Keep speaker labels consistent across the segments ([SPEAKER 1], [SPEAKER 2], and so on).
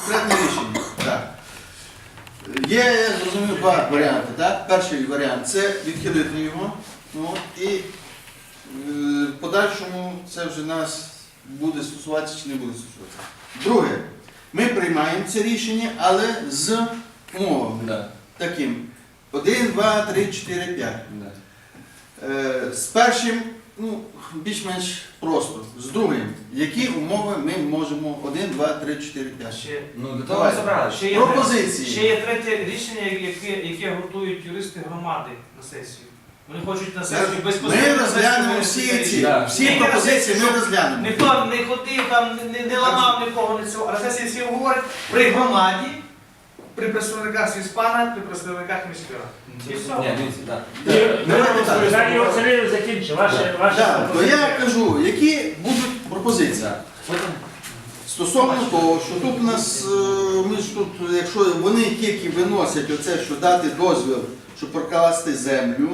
[SPEAKER 1] конкретне рішення. Так. Є, я зрозумів, два варіанти. Так? Перший варіант це відхилити його. Ну, і в подальшому це вже нас буде стосуватися чи не буде стосуватися. Друге, ми приймаємо це рішення, але з умовами.
[SPEAKER 2] Да.
[SPEAKER 1] Таким. 1, 2, 3, 4, 5.
[SPEAKER 2] Да.
[SPEAKER 1] З першим, ну, більш-менш просто. З другим, які умови ми можемо 1, 2, 3, 4, 5.
[SPEAKER 2] Ну, для того ми зібрали.
[SPEAKER 1] Пропозиції.
[SPEAKER 3] Ще є третє рішення, яке готують юристи громади на сесію. Вони хочуть на сесію безпосередньо.
[SPEAKER 1] Ми розглянемо всі ці,
[SPEAKER 2] Да.
[SPEAKER 1] всі пропозиції ми розглянемо.
[SPEAKER 3] Ніхто не ходив, там, не ламав нікого, не цього. А на сесії всі говорять при громаді, при представниках сільспана, при представниках міської ради. І все.
[SPEAKER 2] Ні, дивіться, так.
[SPEAKER 4] Далі Василів закінчив.
[SPEAKER 1] Так, то я кажу, які будуть пропозиції.
[SPEAKER 2] Потім
[SPEAKER 1] Стосовно того, що тут у нас, ми ж тут, якщо вони тільки виносять оце, що дати дозвіл, щоб прокласти землю,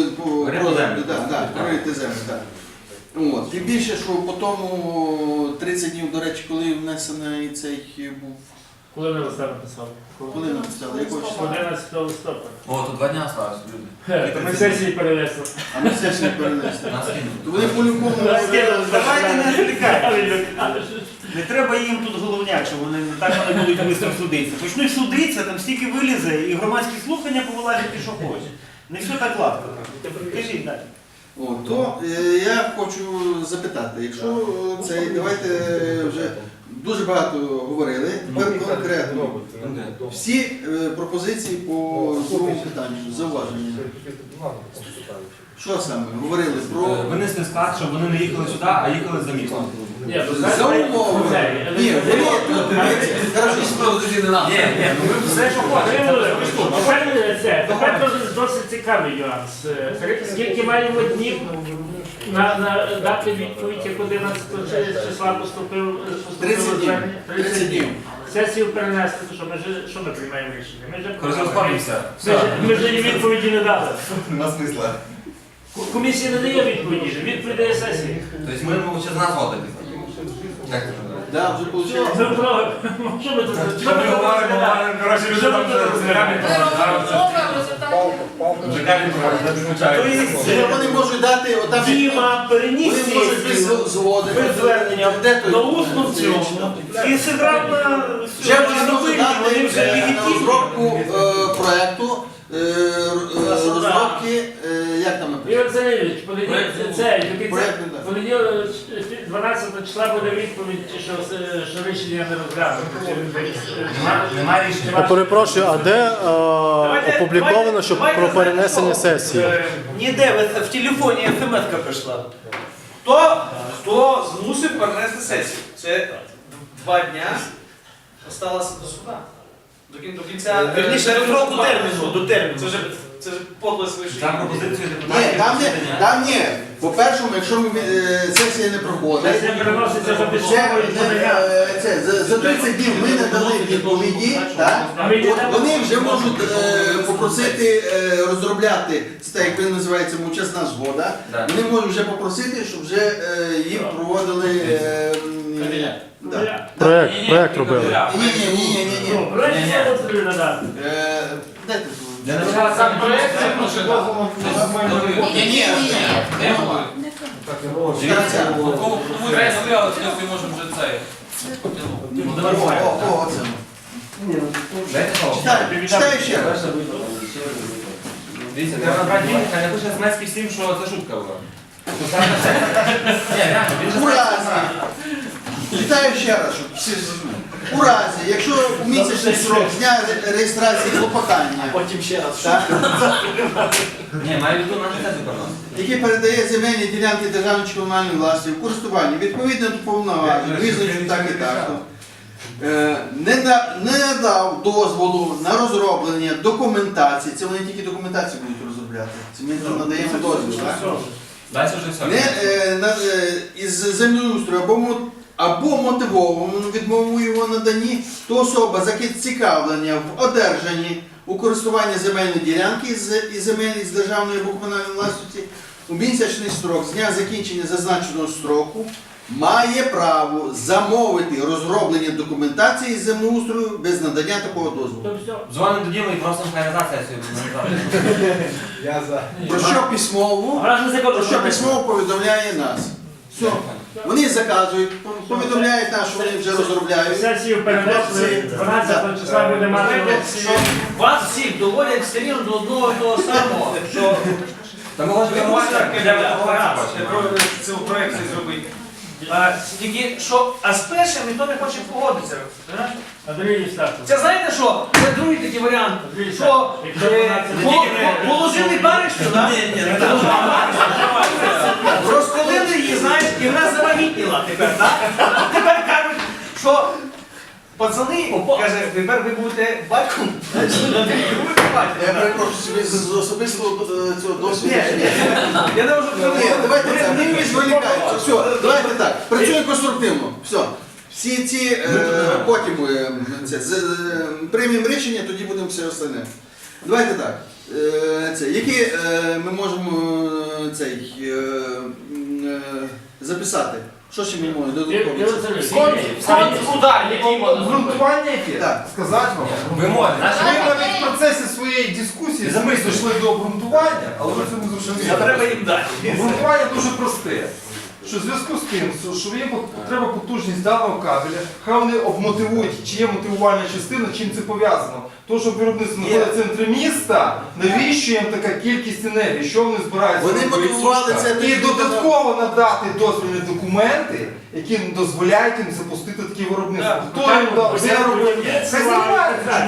[SPEAKER 1] прорити землю, так. От. Тим більше, що по тому 30 днів, до речі, коли внесений цей був,
[SPEAKER 4] Коли ви листа написали?
[SPEAKER 1] коли написали, якого числа?
[SPEAKER 4] 11 листопада.
[SPEAKER 2] О, тут 2 дня осталось, люди.
[SPEAKER 4] Ми сесії перенесли.
[SPEAKER 1] А ми все ж не перенесли.
[SPEAKER 2] Нас кинули.
[SPEAKER 1] То вони по-любому...
[SPEAKER 5] Давайте не відволікати. Не треба їм тут головняк, що вони так вони будуть швидко судитися. Почнуть судитися, там стільки вилізе, і громадські слухання повилазять і що хоче. Не все так гладко. Кажіть далі.
[SPEAKER 1] О, то я хочу запитати, якщо це, давайте вже дуже багато говорили, тепер конкретно. Всі пропозиції по другому питанню, зауваження. Що саме? Говорили про...
[SPEAKER 2] Винесли склад, щоб вони не їхали сюди, а їхали за містом.
[SPEAKER 1] За умови. Ні, вони тут...
[SPEAKER 2] Ні, ну ви все, що хочете.
[SPEAKER 4] Тепер досить цікавий нюанс. Скільки маємо днів на дати відповідь, як 11 числа поступив
[SPEAKER 1] 30 днів.
[SPEAKER 4] Сесію перенести, то що ми приймаємо рішення? Ми вже їй відповіді не дали.
[SPEAKER 2] Нема смисла.
[SPEAKER 4] Комісія не дає відповіді, відповідь дає сесії.
[SPEAKER 2] Тобто ми можемо зараз нас водити. Як це вже?
[SPEAKER 1] Так, вже вийшло.
[SPEAKER 4] Що ми тут?
[SPEAKER 2] Що ми говоримо, коротше, люди там вже змірями
[SPEAKER 1] Вони можуть дати отам...
[SPEAKER 5] Діма переніс
[SPEAKER 1] Вони можуть
[SPEAKER 5] сесію
[SPEAKER 1] зводити.
[SPEAKER 5] без звернення на усну в цьому. І зіграв на
[SPEAKER 1] Вже вони можуть
[SPEAKER 5] вони
[SPEAKER 1] дати
[SPEAKER 5] вже
[SPEAKER 1] на
[SPEAKER 5] легітимні.
[SPEAKER 1] розробку проєкту, розробки, як там написано?
[SPEAKER 4] Ігор Васильович,
[SPEAKER 1] Проєкту, так.
[SPEAKER 4] понеділок 12 числа буде відповідь, що рішення не розглянуто.
[SPEAKER 2] Немає рішення.
[SPEAKER 6] Я перепрошую, а де опубліковано, що про перенесення сесії?
[SPEAKER 5] Ніде, в телефоні смс-ка прийшла.
[SPEAKER 3] Хто змусив перенести сесію? Це 2 дня осталося до суда. До кінця...
[SPEAKER 5] Вірніше, до строку терміну, до терміну.
[SPEAKER 3] Це ж подлость вийшли.
[SPEAKER 2] Там пропозицію
[SPEAKER 1] Ні,
[SPEAKER 2] депутатів.
[SPEAKER 1] там ні. По-першому, якщо сесія не проходить,
[SPEAKER 4] Сесія переноситься за
[SPEAKER 1] ще,
[SPEAKER 4] письмовою подання.
[SPEAKER 1] за 30 днів ми не дали відповіді, так? Вони вже можуть попросити розробляти, це так, як він називається мовчасна згода,
[SPEAKER 2] Да.
[SPEAKER 1] вони можуть вже попросити, щоб вже їм проводили... да.
[SPEAKER 6] Проект робили.
[SPEAKER 1] Ні.
[SPEAKER 4] Проект не надати.
[SPEAKER 1] Дайте.
[SPEAKER 2] Для начала сам проєкт.
[SPEAKER 1] Ні.
[SPEAKER 7] Кому треба стріляти, ми можемо вже це.
[SPEAKER 1] Оце.
[SPEAKER 2] Дайте слово.
[SPEAKER 1] Читаю ще раз.
[SPEAKER 2] Дивіться, треба набрати дім, хай напише смс всім, що це шутка була. Ні, реально, він же
[SPEAKER 1] У разі, читаю ще раз, щоб всі зрозуміли. У разі, якщо у місячний срок з дня реєстрації клопотання,
[SPEAKER 5] Потім ще раз.
[SPEAKER 1] так,
[SPEAKER 2] Ні, має віду на не переносити.
[SPEAKER 1] який передає земельні ділянки державної чи комунальної власності в користування відповідно до повноважень, визначено так і так, не надав дозволу на розроблення документації, це вони тільки документацію будуть розробляти, це ми тут надаємо дозвіл, так?
[SPEAKER 2] Далі вже все.
[SPEAKER 1] Із землеустрою або мотивованому відмову його наданні, то особа зацікавлення в одержанні у користування земельної ділянки і земель з державної або комунальної власності у місячний строк з дня закінчення зазначеного строку має право замовити розроблення документації з землеустрою без надання такого дозволу.
[SPEAKER 4] То все.
[SPEAKER 2] Дзвонимо до Діми і просимо хай назад сесію.
[SPEAKER 3] Я за.
[SPEAKER 1] Про що письмово? Про що письмово повідомляє нас. Все. Вони заказують, повідомляють нас, що вони вже розробляють.
[SPEAKER 4] Сесію перенесли, 12 числа буде мати
[SPEAKER 3] Що вас всіх доводять все рівно до одного і того самого, що
[SPEAKER 2] Та ми можемо
[SPEAKER 3] цю проєкт зробити. Тільки що, а з першим ніхто не хоче погодитися. знаєш?
[SPEAKER 4] Андрій Євстафович.
[SPEAKER 3] Це знаєте що? Це другий такий варіант. Що положили баришню, так? Розколили її, знаєш, і вона завагітніла тепер, так? Тепер кажуть, що пацани, каже, тепер ви будете батьком. Значить, ви будете
[SPEAKER 1] Я
[SPEAKER 3] батьком.
[SPEAKER 1] перепрошую собі з особистого цього досвіду.
[SPEAKER 3] Ні, я не можу
[SPEAKER 1] Ні, давайте це, ми відволікаємося. Все, давайте так. Працюємо конструктивно. Все. Всі ці потім приймемо рішення, тоді будемо все остальне. Давайте так. Які ми можемо записати? Що ще ми можемо додатково?
[SPEAKER 8] Обґрунтування яке?
[SPEAKER 1] Так.
[SPEAKER 8] Сказати вам.
[SPEAKER 2] Вимоги.
[SPEAKER 8] Ми навіть в процесі своєї дискусії самі дійшли до обґрунтування, але ви це не зрозуміли.
[SPEAKER 3] Треба їм дати.
[SPEAKER 8] Обґрунтування дуже просте. Що в зв'язку з тим, що є потреба потужність даного кабеля, хай вони обмотивують, чи є мотивувальна частина, чим це пов'язано. То, що виробництво знаходиться в центрі міста, навіщо їм така кількість енергії, що вони збираються
[SPEAKER 1] Вони
[SPEAKER 8] робити?
[SPEAKER 1] мотивували це
[SPEAKER 8] І додатково надати дозвільні документи, які дозволяють їм запустити такі виробництва. Хто їм дав? Де робив? Це займається.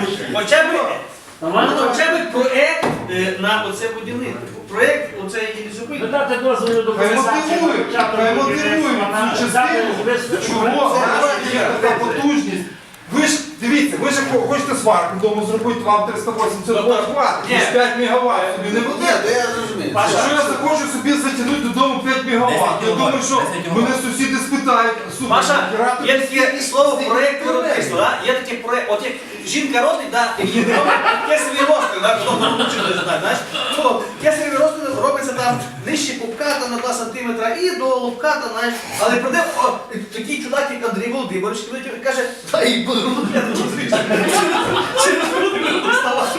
[SPEAKER 3] Хоча б проєкт на оце будівництво. Проєкт оцей зупинки.
[SPEAKER 4] Додати дозволу до
[SPEAKER 8] Хай мотивують цю частину, чого є така потужність. Ви ж, дивіться, ви ж хочете сварку вдома зробити, вам 380 вольт хватить,
[SPEAKER 3] Ні.
[SPEAKER 8] 5 мегаватт собі не
[SPEAKER 1] Ні,
[SPEAKER 8] буде.
[SPEAKER 1] то я зрозумію.
[SPEAKER 8] Якщо я захочу собі затягнути додому 5 мегаватт, я думаю, що мене сусіди спитають,
[SPEAKER 3] Маша,
[SPEAKER 8] оператор,
[SPEAKER 3] є таке слово проєкт виробництва, да? Є таке проєкт, от як жінка родить, да, і її кесареві розтин, да, хто не вчили знати, знаєш, то кесареві розтин робиться там нижче пупка там, на 2 сантиметра і до лобка, там, знаєш, але прийде такий чудак, як Андрій Володимирович, і каже, та і буду робити, через груди буду вставати.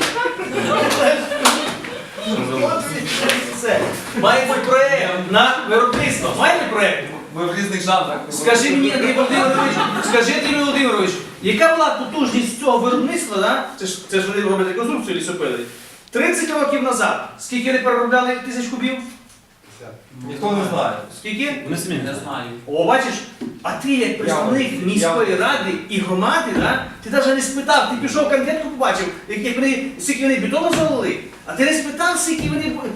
[SPEAKER 3] Це. Має бути проєкт на виробництво, має бути проєкт.
[SPEAKER 7] Ми в різних жанрах.
[SPEAKER 3] Скажи мені, Андрій Володимирович, скажи, Андрій Володимирович, яка була потужність цього виробництва, да? Це ж вони роблять реконструкцію лісопили, 30 років назад, скільки вони переробляли тисяч кубів?
[SPEAKER 8] ніхто не знає.
[SPEAKER 3] Скільки?
[SPEAKER 2] Вони самі
[SPEAKER 7] Не знаю.
[SPEAKER 3] О, бачиш, а ти як представник міської ради і громади, да? Ти навіть не спитав, ти пішов конкретно побачив, скільки вони бетону залили, а ти не спитав, скільки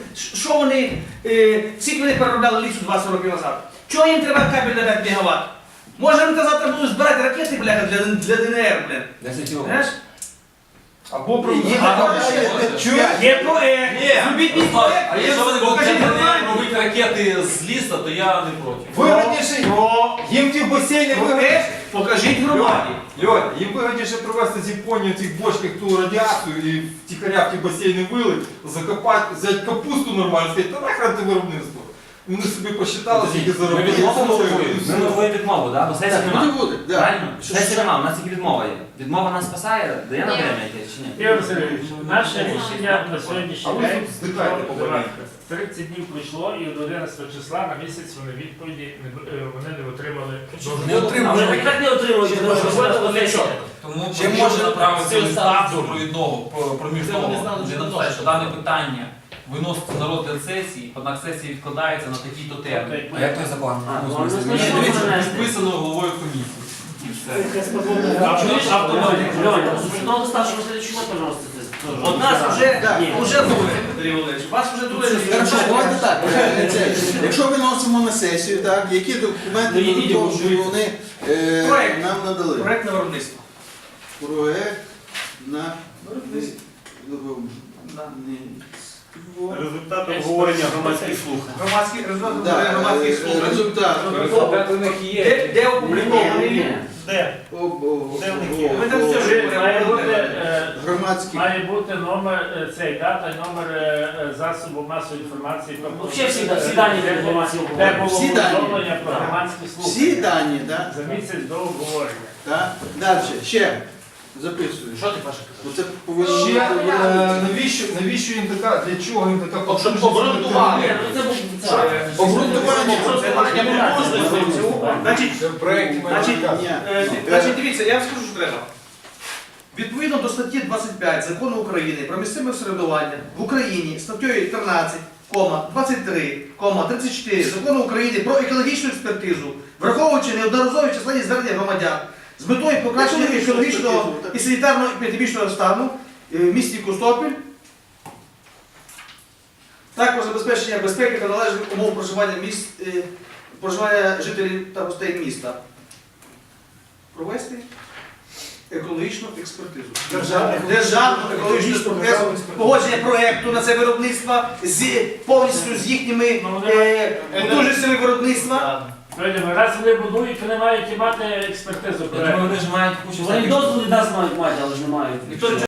[SPEAKER 3] вони переробляли лісу 20 років назад. Чого їм треба кабель на 5 мегаватт? Може вони завтра будуть збирати ракети, бляха, для ДНР, блін.
[SPEAKER 2] 10 років.
[SPEAKER 3] Знаєш?
[SPEAKER 8] Або про
[SPEAKER 3] Є проект. Зробіть мій проект.
[SPEAKER 7] А якщо вони будуть
[SPEAKER 3] Покажіть нормально.
[SPEAKER 7] робити ракети з лісу, то я не проти.
[SPEAKER 8] вигідніше, їм ті в басейні
[SPEAKER 3] Проект покажіть громаді.
[SPEAKER 8] Льоня, їм вигідніше привезти з Японії в цих бочках ту радіацію і втіхаря в ті басейни вилить, закопати, взяти капусту нормально, сказати, та нахрен ти виробництво. Вони собі посчитали, скільки
[SPEAKER 2] Ми
[SPEAKER 8] заробили.
[SPEAKER 2] відмову мотивуємо. Ми мотивуємо відмову, так? Бо сесії
[SPEAKER 1] Так,
[SPEAKER 2] немає.
[SPEAKER 1] буде, буде. да.
[SPEAKER 2] Правильно? Сесії немає, у нас тільки відмова є. Відмова нас спасає, дає нам время йти чи ні?
[SPEAKER 4] Ігор Васильович, наше рішення на сьогоднішній
[SPEAKER 8] А ви
[SPEAKER 4] день
[SPEAKER 8] тут здихайте по
[SPEAKER 4] пройшло,
[SPEAKER 8] больниці.
[SPEAKER 4] 30 днів пройшло і до 11 числа на місяць вони відповіді вони не отримали.
[SPEAKER 7] Не отримали.
[SPEAKER 4] Але так не отримують, тому що робота для чого?
[SPEAKER 7] Тому
[SPEAKER 1] Чи
[SPEAKER 7] потрібно
[SPEAKER 1] може
[SPEAKER 7] направити
[SPEAKER 1] це
[SPEAKER 7] листа
[SPEAKER 1] статус?
[SPEAKER 7] супровідного, проміжного, де написати, що дане питання виноситься на розгляд сесії, однак сесія відкладається на такий-то термін.
[SPEAKER 2] А як той закон?
[SPEAKER 4] ну,
[SPEAKER 2] В смислі,
[SPEAKER 4] ну,
[SPEAKER 2] ні,
[SPEAKER 4] ну,
[SPEAKER 2] дивіться.
[SPEAKER 4] ну,
[SPEAKER 7] Підписано головою комісії. І все.
[SPEAKER 3] От нас вже
[SPEAKER 1] Да.
[SPEAKER 3] друге, Андрій Володимирович, вас вже друге
[SPEAKER 1] Хорошо,
[SPEAKER 3] рішення.
[SPEAKER 1] давайте так. Якщо виносимо на сесію, так, які документи додаткові вони
[SPEAKER 3] Проект.
[SPEAKER 1] нам надали?
[SPEAKER 3] Проект на виробництво.
[SPEAKER 1] Проект на
[SPEAKER 5] Результат обговорення громадських слухань.
[SPEAKER 3] Громадський результат
[SPEAKER 1] Да,
[SPEAKER 3] громадських слухань.
[SPEAKER 1] результат.
[SPEAKER 3] Де опублікований він?
[SPEAKER 5] Де?
[SPEAKER 3] Ми там все
[SPEAKER 4] Має бути
[SPEAKER 3] ж
[SPEAKER 1] громадських.
[SPEAKER 4] Має бути номер цей дата, номер засобу масової інформації про
[SPEAKER 2] Взагалі всі дані для громадського
[SPEAKER 4] де було
[SPEAKER 1] Всі дані.
[SPEAKER 4] повідомлення про громадські
[SPEAKER 1] Всі
[SPEAKER 4] слухання
[SPEAKER 1] дані, так?
[SPEAKER 4] за місяць до обговорення.
[SPEAKER 1] Так? Далі, ще записую.
[SPEAKER 2] Що ти Паша?
[SPEAKER 1] Оце повинно
[SPEAKER 8] Ще
[SPEAKER 1] бути.
[SPEAKER 8] навіщо їм така, для чого їм така
[SPEAKER 3] Щоб
[SPEAKER 8] потужність?
[SPEAKER 3] обґрунтувати.
[SPEAKER 2] Ні, ну це був
[SPEAKER 1] Обґрунтування.
[SPEAKER 3] Значить,
[SPEAKER 8] Це в проєкті
[SPEAKER 3] Значить,
[SPEAKER 1] Ні.
[SPEAKER 3] Значить, дивіться, я вам скажу, що треба. Відповідно до статті 25 Закону України про місцеве самоврядування в Україні статтею 13, 23, 34 Закону України про екологічну експертизу, враховуючи неодноразові численні звернення громадян з метою покращення екологічного і санітарно-епідемічного стану в місті Костопіль, також забезпечення безпеки та належних умов проживання жителів та гостей міста. Провести екологічну експертизу. Державну екологічну експертизу, погодження проєкту на це виробництво повністю з їхніми потужностями виробництва.
[SPEAKER 4] Сьогодні, раз вони будують, вони мають і мати експертизу
[SPEAKER 2] Я думаю,
[SPEAKER 4] проекту.
[SPEAKER 2] вони ж мають кучу
[SPEAKER 9] Вони
[SPEAKER 2] всяких-
[SPEAKER 9] дозволи нас мають мати, але ж не мають.
[SPEAKER 3] Ніхто